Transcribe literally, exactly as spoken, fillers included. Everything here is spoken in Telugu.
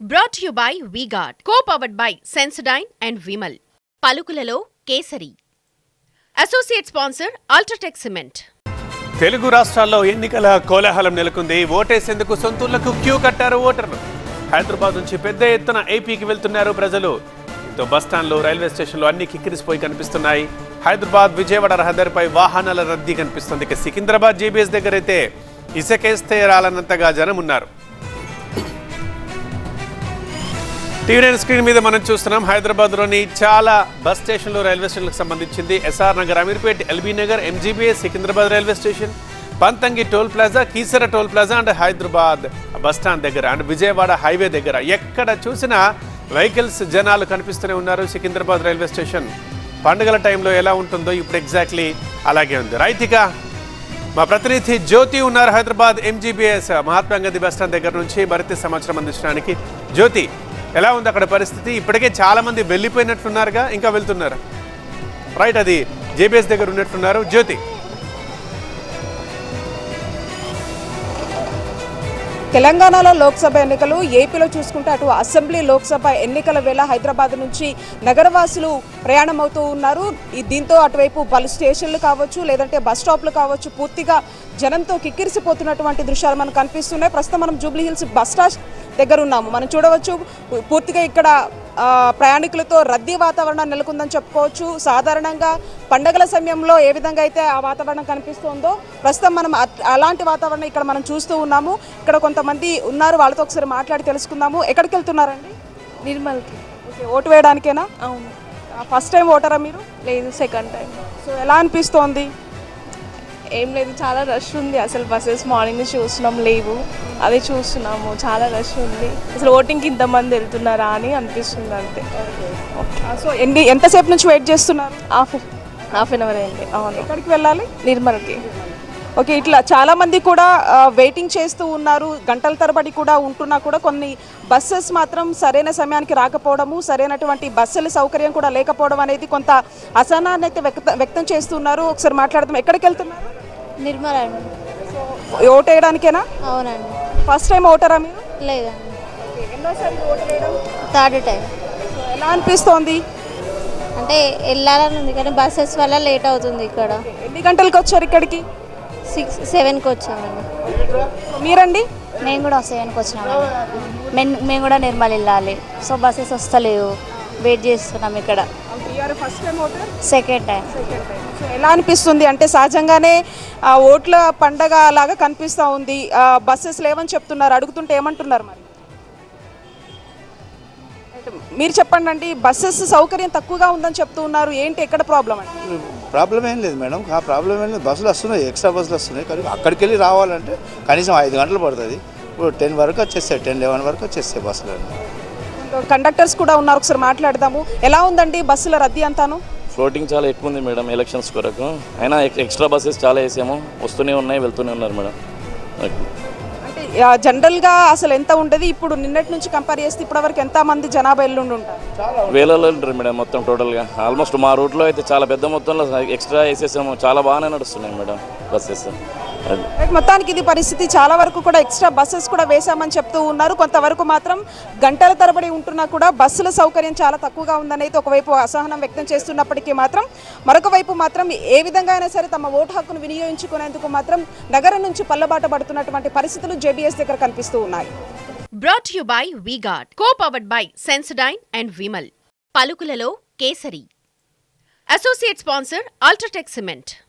Brought to you by V-Guard, co-powered by Sensodyne and Vimal. పలుకులలో Kesari. Associate sponsor UltraTech cement. Telugu రాష్ట్రాల్లో ఎన్నికల కోలాహలం నెలకొంది. ఓటేసేందుకు సొంతూళ్లకు క్యూ కట్టారు ఓటర్లు. హైదరాబాద్ నుంచి పెద్ద ఎత్తున ఏపీకి వెళ్తున్నారు ప్రజలు. దీంతో బస్టాండ్లు, రైల్వే స్టేషన్లు అన్ని కిక్కిరిసిపోయి కనిపిస్తున్నాయి. హైదరాబాద్ విజయవాడ రహదారిపై వాహనాల రద్దీ కనిపిస్తుంది. ఇక సికింద్రాబాద్ జేబీఎస్ దగ్గర అయితే ఇసుకేస్తే రాలన్నంతగా జనం ఉన్నారు. టీవీ నైన్ స్క్రీన్ మీద మనం చూస్తున్నాం. హైదరాబాద్లోని చాలా బస్ స్టేషన్లు, రైల్వే స్టేషన్లకు సంబంధించింది. SR Nagar, Ameerpet, LB Nagar, MGBS, Secunderabad railway station, Panthangi toll plaza, Keesara toll plaza and Hyderabad bus stand దగ్గర అండ్ విజయవాడ హైవే దగ్గర ఎక్కడ చూసినా వెహికల్స్, జనాలు కనిపిస్తూనే ఉన్నారు. సికింద్రాబాద్ రైల్వే స్టేషన్ పండుగల టైంలో ఎలా ఉంటుందో ఇప్పుడు ఎగ్జాక్ట్లీ అలాగే ఉంది. రైతిక మా ప్రతినిధి జ్యోతి ఉన్నారు Hyderabad MGBS Mahatma Gandhi bus stand దగ్గర నుంచి మరింత సమాచారం అందించడానికి. జ్యోతి, ఎలా ఉంది అక్కడ పరిస్థితి? ఇప్పటికే చాలా మంది వెళ్ళిపోయినట్లున్నారుగా, ఇంకా వెళ్తున్నారు? రైట్, అది జేబీఎస్ దగ్గర ఉన్నట్లున్నారు. జ్యోతి, తెలంగాణలో లోక్సభ ఎన్నికలు, ఏపీలో చూసుకుంటే అటు అసెంబ్లీ, లోక్సభ ఎన్నికల వేళ హైదరాబాద్ నుంచి నగరవాసులు ప్రయాణం అవుతూ ఉన్నారు. దీంతో అటువైపు పలు స్టేషన్లు కావచ్చు, లేదంటే బస్ స్టాప్లు కావచ్చు, పూర్తిగా జనంతో కిక్కిరిసిపోతున్నటువంటి దృశ్యాలు మనకు కనిపిస్తున్నాయి. ప్రస్తుతం మనం జూబ్లీ హిల్స్ బస్ స్టాప్ దగ్గర ఉన్నాము. మనం చూడవచ్చు పూర్తిగా ఇక్కడ ప్రయాణికులతో రద్దీ వాతావరణం నెలకొందని చెప్పుకోవచ్చు. సాధారణంగా పండగల సమయంలో ఏ విధంగా అయితే ఆ వాతావరణం కనిపిస్తుందో ప్రస్తుతం మనం అలాంటి వాతావరణం ఇక్కడ మనం చూస్తూ ఉన్నాము. ఇక్కడ కొంతమంది ఉన్నారు, వాళ్ళతో ఒకసారి మాట్లాడి తెలుసుకుందాము. ఎక్కడికి వెళ్తున్నారండి? నిర్మల్కి. ఓకే, ఓటు వేయడానికేనా? అవును. ఫస్ట్ టైం ఓటరా మీరు? లేదు, సెకండ్ టైం. సో ఎలా అనిపిస్తోంది? ఏం లేదు, చాలా రష్ ఉంది. అసలు బస్సెస్ మార్నింగ్ నుంచి చూస్తున్నాం, లేవు. అదే చూస్తున్నాము, చాలా రష్ ఉంది. అసలు ఓటింగ్కి ఇంతమంది వెళ్తున్నారా అని అనిపిస్తుంది అంతే. సో ఎన్ని ఎంతసేపు నుంచి వెయిట్ చేస్తున్నారు? హాఫ్ హాఫ్ అన్ అవర్ అయింది. అవును. ఎక్కడికి వెళ్ళాలి? నిర్మల్కి. ఓకే, ఇట్లా చాలా మంది కూడా వెయిటింగ్ చేస్తూ ఉన్నారు. గంటల తరబడి కూడా ఉంటున్నా కూడా కొన్ని బస్సెస్ మాత్రం సరైన సమయానికి రాకపోవడము, సరైనటువంటి బస్సుల సౌకర్యం కూడా లేకపోవడం అనేది కొంత అసహనాన్ని అయితే వ్యక్త వ్యక్తం చేస్తున్నారు. ఒకసారి మాట్లాడదాం. ఎక్కడికి వెళ్తున్నారు? నిర్మల్ అండి. ఓటు వేయడానికేనా? అవునండి. ఫస్ట్ టైం ఓటరా మీరు? లేదండి, ఎన్నోసారి ఓటు వేయడం? Third time. ఎలా అనిపిస్తోంది? అంటే వెళ్ళాలని ఉంది కానీ బస్సెస్ వల్ల లేట్ అవుతుంది. ఇక్కడ ఎన్ని గంటలకు వచ్చారు ఇక్కడికి? సిక్స్ సెవెన్కి వచ్చామండి. మీరండి? మేము కూడా సెవెన్కి వచ్చినామండి. మేము మేము కూడా నిర్మల్ వెళ్ళాలి. సో బస్సెస్ వస్తలేవు, వెయిట్ చేస్తున్నాం ఇక్కడ. First time voter? Second time. So ఎలా అనిపిస్తుంది? అంటే సహజంగానే ఓట్ల పండగ లాగా కనిపిస్తూ ఉంది. బస్సెస్ లేవని చెప్తున్నారు, అడుగుతుంటే ఏమంటున్నారు మరి? మీరు చెప్పండి అండి. బస్సెస్ సౌకర్యం తక్కువగా ఉందని చెప్తూ ఉన్నారు, ఏంటి ఎక్కడ ప్రాబ్లం అండి? ప్రాబ్లం ఏం లేదు మేడం, ఆ ప్రాబ్లం ఏం లేదు. బస్సులు వస్తున్నాయి, ఎక్స్ట్రా బస్సులు వస్తున్నాయి. కానీ అక్కడికి వెళ్ళి రావాలంటే కనీసం ఐదు గంటలు పడుతుంది. ఇప్పుడు టెన్ వరకు వచ్చేస్తాయి, టెన్ లెవెన్ వరకు వచ్చేస్తాయి బస్సులు. కండక్టర్స్ కూడా ఉన్నారు, ఒకసారి మాట్లాడదాము. ఎలా ఉందండి బస్సుల రద్దీ అంతాను? ఫ్లోటింగ్ చాలా ఎక్కువ ఉంది మేడం, ఎలక్షన్స్ కొరకు. అయినా ఎక్స్ట్రా బస్సెస్ చాలా వేసాము, వస్తూనే ఉన్నాయి, వెళ్తూనే ఉన్నారు మేడం. అంటే జనరల్గా అసలు ఎంత ఉండదు, ఇప్పుడు నిన్నటి నుంచి కంపేర్ చేస్తే ఇప్పటివరకు ఎంత మంది జనాభా ఎల్లుండి ఉంటారు? వేలలో ఉంటారు మేడం మొత్తం టోటల్గా. ఆల్మోస్ట్ మా రూట్లో అయితే చాలా పెద్ద మొత్తంలో ఎక్స్ట్రా వేసేసాము, చాలా బాగానే నడుస్తున్నాయి మేడం బస్సెస్. మొత్తానికి ఇది పరిస్థితి. చాలా వరకు కూడా ఎక్స్ట్రా బస్సెస్ కూడా వేశామని చెప్తూ ఉన్నారు. కొంతవరకు మాత్రం గంటల తరబడి ఉంటున్నా కూడా బస్సుల సౌకర్యం చాలా తక్కువగా ఉందని అయితే ఒకవైపు అసహనం వ్యక్తం చేస్తున్నప్పటికీ మాత్రం మరొక వైపు మాత్రం ఏ విధంగా అయినా సరే తమ ఓటు హక్కును వినియోగించుకునేందుకు మాత్రం నగరం నుంచి పల్లబాట పడుతున్నటువంటి పరిస్థితులు జేబీఎస్ దగ్గర కనిపిస్తూ ఉన్నాయి. Brought to you by V-Guard, co-powered by Sensodyne and Vimal. పలుకులలో Kesari. Associate sponsor UltraTech cement.